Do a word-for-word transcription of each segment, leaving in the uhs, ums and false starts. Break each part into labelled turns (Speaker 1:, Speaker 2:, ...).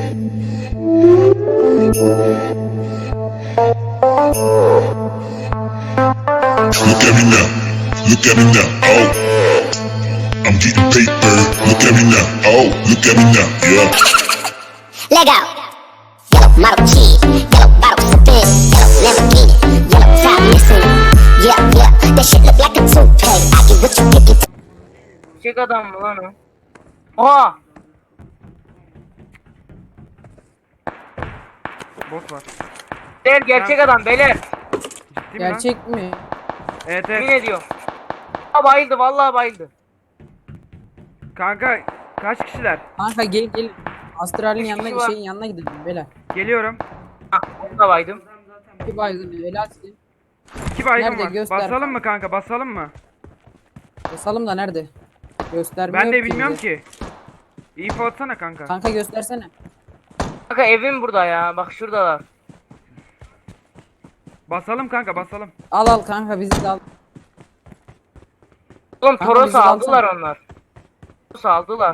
Speaker 1: Look at me now, look at me now, oh. I'm getting paper, look at me now, oh. Look at me now, yeah.
Speaker 2: Lego. Yellow model key, yellow bottle sipping, yellow Lamborghini, yellow top missing. Yeah, yeah, that shit look like a toupee. I get what you get it.
Speaker 3: Çek adam mı lan o? Oha!
Speaker 4: Bot var.
Speaker 3: Beyler gerçek adam beyler.
Speaker 4: Ciddi mi lan?
Speaker 5: Gerçek mi?
Speaker 4: Evet
Speaker 3: Yemin
Speaker 4: evet.
Speaker 3: ediyorum. Aa, bayıldı vallahi bayıldı.
Speaker 4: Kanka kaç kişiler?
Speaker 5: Kanka gel gel. Astral'in
Speaker 3: Üç
Speaker 5: yanına
Speaker 3: kişi var.
Speaker 5: şeyin yanına gidelim beyler.
Speaker 4: Geliyorum.
Speaker 3: Hah onu da baydım.
Speaker 5: Bir baygın Velasin.
Speaker 4: İki baygın
Speaker 5: Nerede?
Speaker 4: var.
Speaker 5: Göster.
Speaker 4: Basalım mı kanka? Basalım mı?
Speaker 5: Basalım da nerede? Göstermiyor
Speaker 4: Ben de bilmiyorum
Speaker 5: bize.
Speaker 4: ki. İyi atsana kanka.
Speaker 5: Kanka göstersene.
Speaker 3: Kanka evim burada ya bak şuradalar.
Speaker 4: Basalım kanka basalım.
Speaker 5: Al al kanka bizi de al.
Speaker 3: Oğlum
Speaker 5: Kanka,
Speaker 3: Toros'u
Speaker 5: bizi
Speaker 3: aldılar
Speaker 5: alsana.
Speaker 3: onlar. Toros'u aldılar.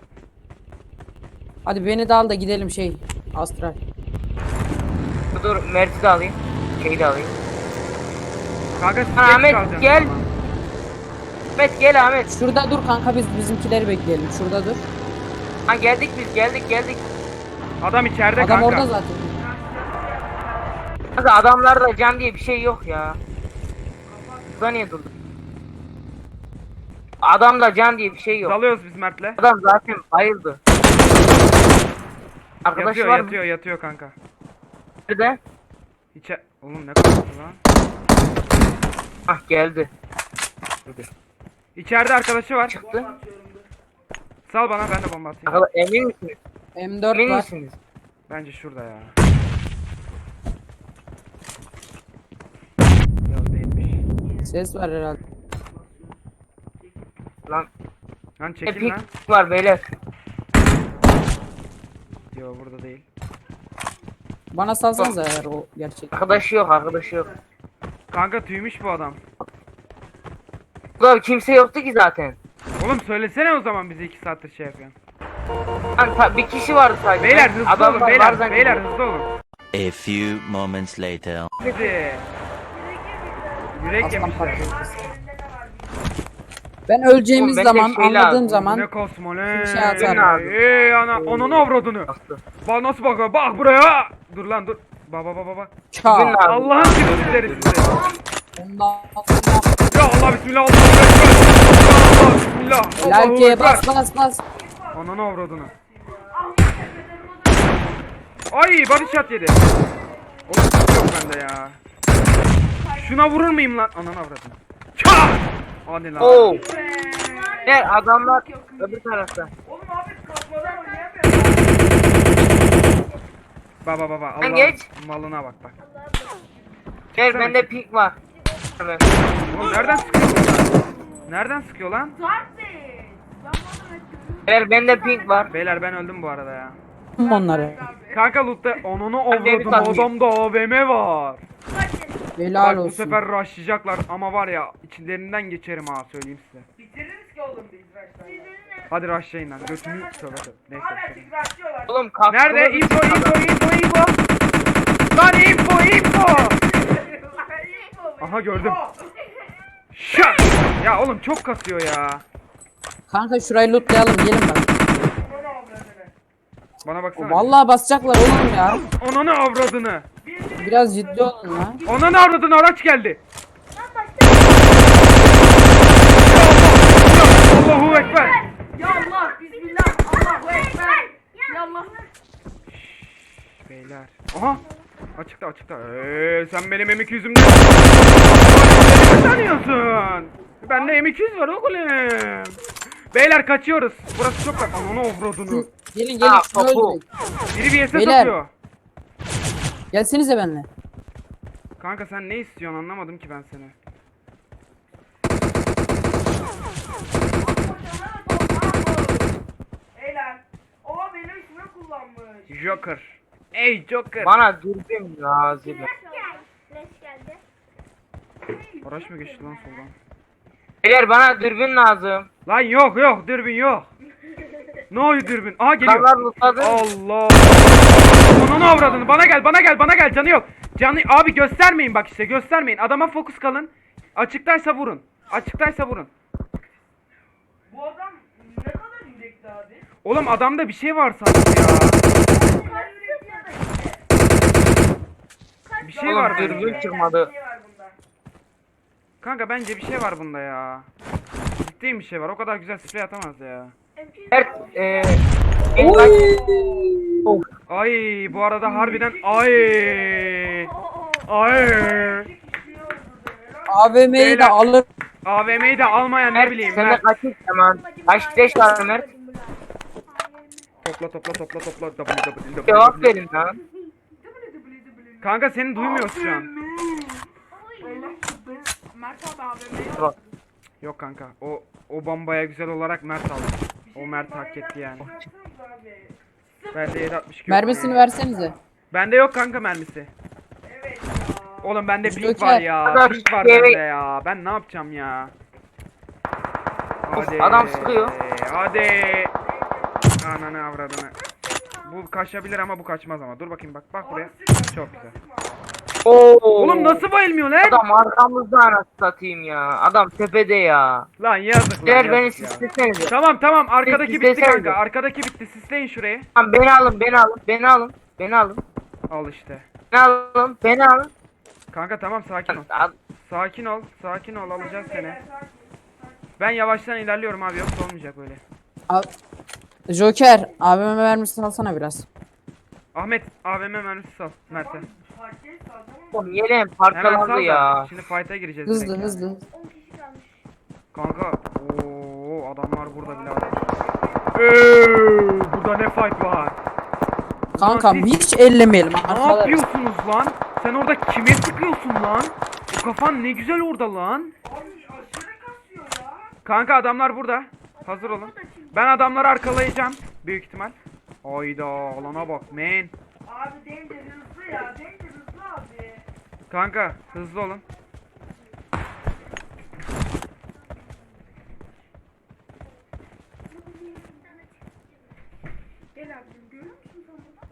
Speaker 5: Hadi beni de al da gidelim şey. Astral.
Speaker 3: Dur, dur Mert'i de alayım. Şeyi de alayım.
Speaker 4: Kanka siz
Speaker 3: Ha,
Speaker 4: geç
Speaker 3: Ahmet,
Speaker 4: kalacaksınız
Speaker 3: gel.
Speaker 4: o zaman.
Speaker 3: Ahmet gel Ahmet.
Speaker 5: Şurada dur kanka biz bizimkileri bekleyelim. Şurada dur.
Speaker 3: Ha geldik biz geldik geldik.
Speaker 4: Adam içeride
Speaker 5: Adam
Speaker 4: kanka.
Speaker 5: orada zaten.
Speaker 3: Kanka adamlarda can diye bir şey yok ya. Burada niye durdun? Adamda can diye bir şey yok.
Speaker 4: Dalıyoruz biz Mert'le.
Speaker 3: Adam zaten bayıldı. Arkadaş
Speaker 4: Yatıyor
Speaker 3: var mı?
Speaker 4: yatıyor yatıyor kanka.
Speaker 3: Nerede?
Speaker 4: İçe... Oğlum ne kadar lan?
Speaker 3: Ah geldi.
Speaker 4: İçeride arkadaşı var.
Speaker 3: Çıktı.
Speaker 4: Sal bana ben de bomba atayım.
Speaker 3: Arkadaş emin misiniz?
Speaker 5: M dört
Speaker 3: Emin
Speaker 5: var.
Speaker 3: misiniz?
Speaker 4: Bence şurada ya. Yok değilmiş.
Speaker 5: Ses var herhalde.
Speaker 3: Lan
Speaker 4: Lan çekil
Speaker 3: epik
Speaker 4: lan.
Speaker 3: var beyler.
Speaker 4: Yok burada değil.
Speaker 5: Bana salsanıza eğer o gerçek.
Speaker 3: Arkadaşı yok arkadaşı yok.
Speaker 4: Kanka tüymüş bu adam.
Speaker 3: Ulan kimse yoktu ki zaten.
Speaker 4: Oğlum söylesene o zaman bizi iki saattir şey yapıyorsun.
Speaker 3: Lan ta- bir kişi vardı sadece.
Speaker 4: Beyler hızlı
Speaker 3: Adamlar
Speaker 4: olun
Speaker 3: var
Speaker 4: beyler.
Speaker 3: zannediyorum.
Speaker 4: Beyler hızlı olun.
Speaker 6: A few moments later.
Speaker 4: Hadi. Yürek
Speaker 5: Aslan
Speaker 4: yemişler.
Speaker 5: parçası. Ben öleceğimiz
Speaker 3: Oğlum, bende
Speaker 5: zaman
Speaker 3: şey
Speaker 5: anladığım
Speaker 3: lazım,
Speaker 5: zaman
Speaker 4: Ne kosmo ne?
Speaker 5: bir şey atarım.
Speaker 4: Eee ana onun avradını.
Speaker 3: Bastı.
Speaker 4: Bak nasıl bakıyor bak buraya. Dur lan dur. Baba baba baba.
Speaker 5: çağ.
Speaker 3: Bizim lazım.
Speaker 4: Allah'ın sizleri size.
Speaker 5: Ondan sonra
Speaker 4: Ya Allah bismillah Allahu ekber. Allah bismillah. Allahu
Speaker 5: Lalkeye
Speaker 4: ekber.
Speaker 5: bas bas bas.
Speaker 4: Ananı avradını. Ay body shot yedi. Oğlum yok bende ya. Şuna vurur muyum lan? Ananı avradını. Çaa! Hadi lan.
Speaker 3: Oo. Ne adamlar öbür tarafta.
Speaker 4: Baba baba
Speaker 3: Sen
Speaker 4: Allah
Speaker 3: geç.
Speaker 4: malına bak bak.
Speaker 3: Gel bende pink var. Hemen.
Speaker 4: Oğlum nereden sıkıyor bunlar? Nereden sıkıyor lan?
Speaker 3: Gel bende pink var.
Speaker 4: Beyler ben öldüm bu arada ya.
Speaker 5: Onları.
Speaker 4: Kanka loot'ta onunu
Speaker 3: Ben de bir
Speaker 4: avradım
Speaker 3: tane-
Speaker 4: adamda A V M var.
Speaker 5: Helal
Speaker 4: Bak bu
Speaker 5: olsun.
Speaker 4: sefer rushlayacaklar ama var ya içlerinden geçerim ha söyleyeyim size. Hadi rushlayın lan götünü tövbe tövbe. Neyse. bir şey.
Speaker 3: Oğlum kalk.
Speaker 4: Nerede? Info info info info. Lan info info. Aha gördüm. Şak. Ya oğlum çok kasıyor ya.
Speaker 5: Kanka şurayı lootlayalım gelin bak.
Speaker 4: Bana baksana.
Speaker 5: Vallahi basacaklar oğlum ya.
Speaker 4: Ananı avradını.
Speaker 5: Biraz ciddi olun lan.
Speaker 4: Ananı avradını araç geldi. Ya Allah, ya Allahu ekber.
Speaker 7: Ya Allah, bismillah, Allahu ekber. Ya Allah.
Speaker 4: Beyler. Aha. Açıkta açıkta. Eee sen benim M iki yüzümden ne tanıyorsun? Bende M iki yüz var oğlum. Beyler kaçıyoruz. Burası çok bak. Ananı avradını.
Speaker 5: Gelin gelin
Speaker 3: Aa,
Speaker 5: şunu
Speaker 3: topu.
Speaker 5: öldürün.
Speaker 4: Biri bir S
Speaker 5: Beyler.
Speaker 4: atıyor.
Speaker 5: Gelsenize benimle.
Speaker 4: Kanka sen ne istiyorsun anlamadım ki ben seni.
Speaker 7: Beyler, o benim ismimi kullanmış.
Speaker 4: Joker. Ey Joker.
Speaker 3: Bana dürbün lazım.
Speaker 4: Araç mı geçti lan soldan?
Speaker 3: Beyler bana dürbün lazım.
Speaker 4: Lan yok yok dürbün yok. No dürbün. Aha geliyor.
Speaker 3: Adamlar lootladı.
Speaker 4: Allah. Onun avradını. Bana gel, bana gel, bana gel. Canı yok. Canı abi göstermeyin bak işte, göstermeyin. Adama fokus kalın. Açıktaysa vurun. Açıktaysa vurun.
Speaker 7: Bu adam ne kadar yürekli abi?
Speaker 4: Oğlum adamda bir şey var sanki ya.
Speaker 7: Kaç yürekli ya da işte.
Speaker 4: Bir şey
Speaker 3: Oğlum
Speaker 4: var
Speaker 3: dürbün
Speaker 4: bence.
Speaker 3: çıkmadı.
Speaker 7: Bir şey var bunda.
Speaker 4: Kanka bence bir şey var bunda ya. Ciddiyim bir şey var. O kadar güzel sprey atamaz ya.
Speaker 3: Mert eee en baş... Of.
Speaker 4: Ay bu arada harbiden ay. Ay.
Speaker 5: A V M'yi de
Speaker 4: Beyler.
Speaker 5: alır.
Speaker 4: A V M'yi de almayan ne
Speaker 3: Mert
Speaker 4: bileyim
Speaker 3: sende
Speaker 4: ben.
Speaker 3: kaç zaman? Kaç beş var Mert?
Speaker 4: Topla topla topla topla. W, W, W,
Speaker 3: Cevap
Speaker 4: W.
Speaker 3: verin lan.
Speaker 4: Kanka seni duymuyoruz şu an.
Speaker 7: Mert abi abi.
Speaker 3: Bak.
Speaker 4: Yok kanka. O o bombaya güzel olarak Mert aldı. O Mert hak etti yani. Bende yedi altmış iki yok.
Speaker 5: Mermisini versenize.
Speaker 4: Bende yok kanka mermisi. Oğlum bende pink
Speaker 5: Joker.
Speaker 4: var ya.
Speaker 3: Adam
Speaker 4: Pink var
Speaker 3: yere-
Speaker 4: bende ya. Ben ne yapacağım ya? Hadi.
Speaker 3: adam sıkıyor.
Speaker 4: Hadi. Ananı avradını. Bu kaçabilir ama bu kaçmaz ama. Dur bakayım bak. Bak buraya. Çok güzel.
Speaker 3: Oo.
Speaker 4: Oğlum nasıl bayılmıyor lan?
Speaker 3: Adam arkamızda anasını satayım ya. Adam tepede ya.
Speaker 4: Lan yazık lan.
Speaker 3: Gel beni
Speaker 4: yazık ya.
Speaker 3: sislesenize.
Speaker 4: Tamam tamam arkadaki bitti
Speaker 3: Sislesenize.
Speaker 4: kanka. Arkadaki bitti. Sisleyin şurayı.
Speaker 3: Tamam beni alın beni alın beni alın. Beni alın.
Speaker 4: Al işte.
Speaker 3: Beni alın. Beni alın.
Speaker 4: Kanka tamam sakin ol.
Speaker 3: Al-
Speaker 4: Sakin ol. Sakin ol alacağız seni. Ben yavaştan ilerliyorum abi yoksa olmayacak öyle.
Speaker 5: Al. Joker A V M mermisini alsana biraz.
Speaker 4: Ahmet A V M mermisi sal Mert'e.
Speaker 3: Oğlum yeleğim
Speaker 4: Hemen sal
Speaker 3: parçalandı
Speaker 4: da.
Speaker 3: ya.
Speaker 4: Şimdi fight'a gireceğiz
Speaker 5: Hızlı
Speaker 4: direkt.
Speaker 5: hızlı.
Speaker 4: Kanka ooo adamlar burada bile adam. Eee, burada ne fight var?
Speaker 5: Kankam
Speaker 4: siz-
Speaker 5: hiç ellemeyelim.
Speaker 4: Ne
Speaker 5: Arkalar.
Speaker 4: yapıyorsunuz lan? Sen orada kime sıkıyorsun lan? O kafan ne güzel orada lan. Kanka adamlar burada. Hazır olun. Ben adamları arkalayacağım. Büyük ihtimal. Hayda alana bak man.
Speaker 7: Abi deyince hızlı ya. Deyince hızlı abi.
Speaker 4: Kanka hızlı olun.
Speaker 7: Gel abicim görüyor musun sen bunu?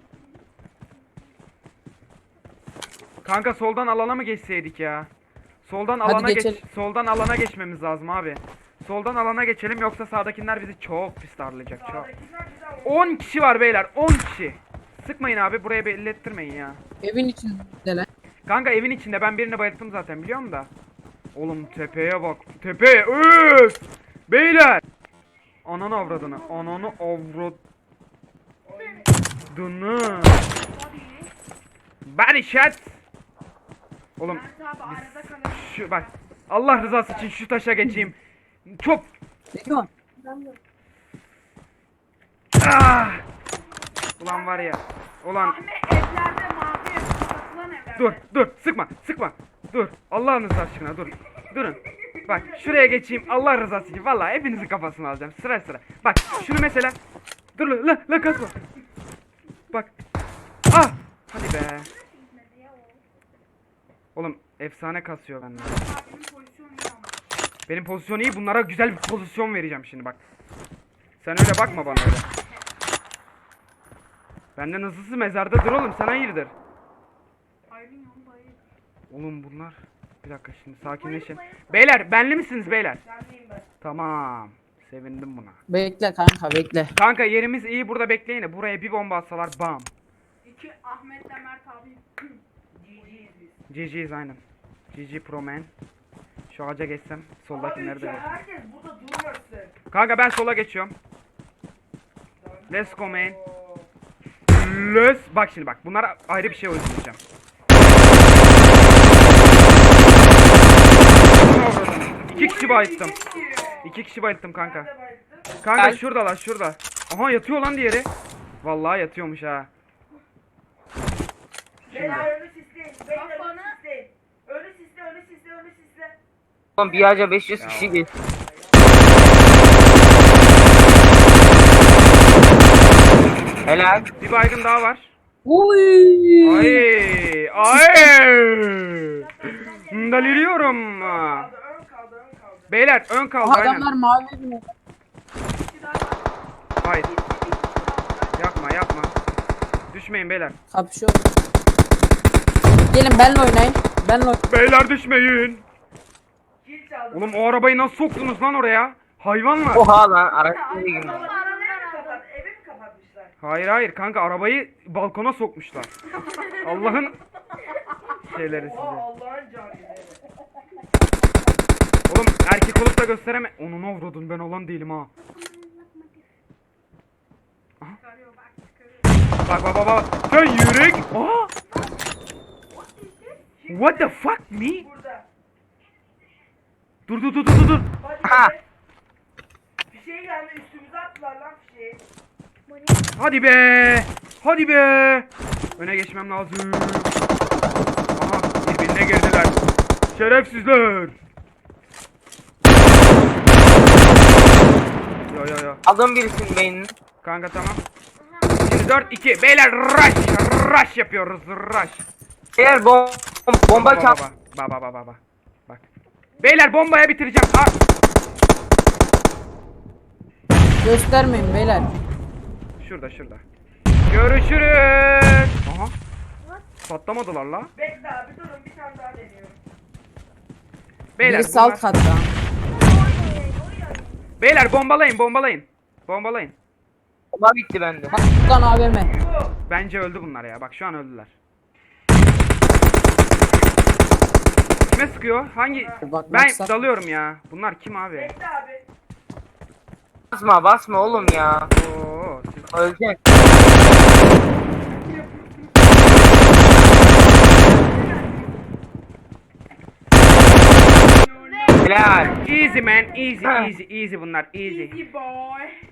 Speaker 4: Kanka soldan alana mı geçseydik ya? Soldan
Speaker 5: Hadi
Speaker 4: alana geç.
Speaker 5: geçelim.
Speaker 4: Soldan alana geçmemiz lazım abi. Soldan alana geçelim yoksa sağdakiler bizi çok pis darlayacak çok. on kişi var beyler on kişi. Sıkmayın abi buraya belli ettirmeyin ya.
Speaker 5: Evin içinde lan.
Speaker 4: Kanka evin içinde ben birini bayılttım zaten biliyor musun da. Oğlum tepeye bak. Tepeye öf. Beyler. Ananı avradını. Ananı avradını. Body shot. Oğlum
Speaker 7: Mert abi arada kalıyor.
Speaker 4: şu bak. Allah rızası için şu taşa geçeyim. Çok.
Speaker 5: Ne diyorsun?
Speaker 4: Ah. Ulan var ya. Ulan
Speaker 7: Ahmet evlerde mavi ev. Satılan evlerde.
Speaker 4: dur dur sıkma sıkma. Dur Allah'ınız aşkına dur. Durun. Bak şuraya geçeyim Allah rızası için. Vallahi hepinizin kafasını alacağım sıra sıra. Bak şunu mesela. Dur la la, la kasma. Bak. Ah. Hadi be. Oğlum efsane kasıyor bende.
Speaker 7: Abinin pozisyonu iyi ama.
Speaker 4: Benim pozisyon iyi. Bunlara güzel bir pozisyon vereceğim şimdi bak. Sen öyle bakma bana öyle. Benden hızlısı mezardadır oğlum. Sen hayırdır?
Speaker 7: Ayrın yolu dayı.
Speaker 4: Oğlum bunlar. Bir dakika şimdi sakinleşin. Beyler benli misiniz beyler?
Speaker 7: Gelmeyeyim ben.
Speaker 4: Tamam. Sevindim buna.
Speaker 5: Bekle kanka bekle.
Speaker 4: Kanka yerimiz iyi burada bekleyin de buraya bir bomba atsalar bam.
Speaker 7: İki Ahmet'le Mert abi. G G'yiz biz.
Speaker 4: G G'yiz aynen. G G Pro Man. Şu ağaca geçsem soldakileri de geçsem.
Speaker 7: Herkes burada durmasın.
Speaker 4: Kanka ben sola geçiyorum. Let's go man. Let's. Bak şimdi bak bunlara ayrı bir şey uygulayacağım. İki kişi bayılttım. İki kişi bayılttım kanka. Kanka
Speaker 3: Gel.
Speaker 4: şuradalar şurada. Aha yatıyor lan diğeri. Vallahi yatıyormuş ha.
Speaker 7: Beyler önü sisleyin. Beyler önü sisleyin. Önü sisle, önü sisle, önü sisle.
Speaker 3: Oğlum bir ağaca beş yüz kişi geç. Helal.
Speaker 4: Bir baygın daha var.
Speaker 5: Uy.
Speaker 4: Ay ay. Deliriyorum.
Speaker 7: Ön kaldı, ön kaldı.
Speaker 4: Beyler ön kaldı
Speaker 5: Aha,
Speaker 4: aynen.
Speaker 5: adamlar mavi evine.
Speaker 7: İki daha var.
Speaker 4: Hayır. Yapma yapma. Düşmeyin beyler.
Speaker 5: Kapışıyor. Gelin benle oynayın. Benle oynayın.
Speaker 4: Beyler düşmeyin.
Speaker 7: Kil çaldı.
Speaker 4: Oğlum o arabayı nasıl soktunuz lan oraya? Hayvanlar.
Speaker 3: Oha lan araç nereye girmiş?
Speaker 7: Baba arabayı mı kapat? Evi mi kapatmışlar?
Speaker 4: Hayır hayır kanka arabayı balkona sokmuşlar. Allah'ın şeyleri
Speaker 7: Oha
Speaker 4: size.
Speaker 7: Allah'ın cahili.
Speaker 4: Oğlum erkek olup da göstereme. Onu ne avradın ben olan değilim ha. Aha. Bak bak bak bak. Sen yürek. Aa. What the fuck me?
Speaker 7: Burada.
Speaker 4: Dur dur dur dur dur.
Speaker 7: Hadi
Speaker 3: Ha.
Speaker 7: be. Fişeği geldi üstümüze attılar lan fişeği.
Speaker 4: Hadi be. Hadi be. Öne geçmem lazım. Aha birbirine girdiler. Şerefsizler. Yo yo yo.
Speaker 3: Aldım birisinin beynini.
Speaker 4: Kanka tamam. Şimdi dört iki. Beyler rush. Rush yapıyoruz. Rush.
Speaker 3: Eğer bom bomba
Speaker 4: Baba
Speaker 3: çal.
Speaker 4: baba. Baba baba baba. Bak. Beyler bombaya bitireceğim. Aa.
Speaker 5: Göstermeyin beyler.
Speaker 4: Şurada şurada. Görüşürüz. Aha. Patlamadılar la.
Speaker 7: Bekle abi durun bir tane daha deniyorum.
Speaker 4: Beyler
Speaker 5: Birisi alt
Speaker 4: bunlar-
Speaker 5: katta.
Speaker 4: Beyler bombalayın bombalayın. Bombalayın.
Speaker 3: Bomba bitti bende.
Speaker 5: Bak buradan A V M.
Speaker 4: Bence öldü bunlar ya. Bak şu an öldüler. Kime sıkıyor? Hangi?
Speaker 5: Bak,
Speaker 4: Ben
Speaker 5: maksat-
Speaker 4: dalıyorum ya. Bunlar kim abi?
Speaker 7: Bekle abi.
Speaker 3: Basma basma oğlum ya.
Speaker 4: Oo, siz...
Speaker 3: Ölecek. Helal.
Speaker 4: Easy man, easy,
Speaker 3: Ha.
Speaker 4: easy, easy bunlar, easy.
Speaker 7: Easy boy.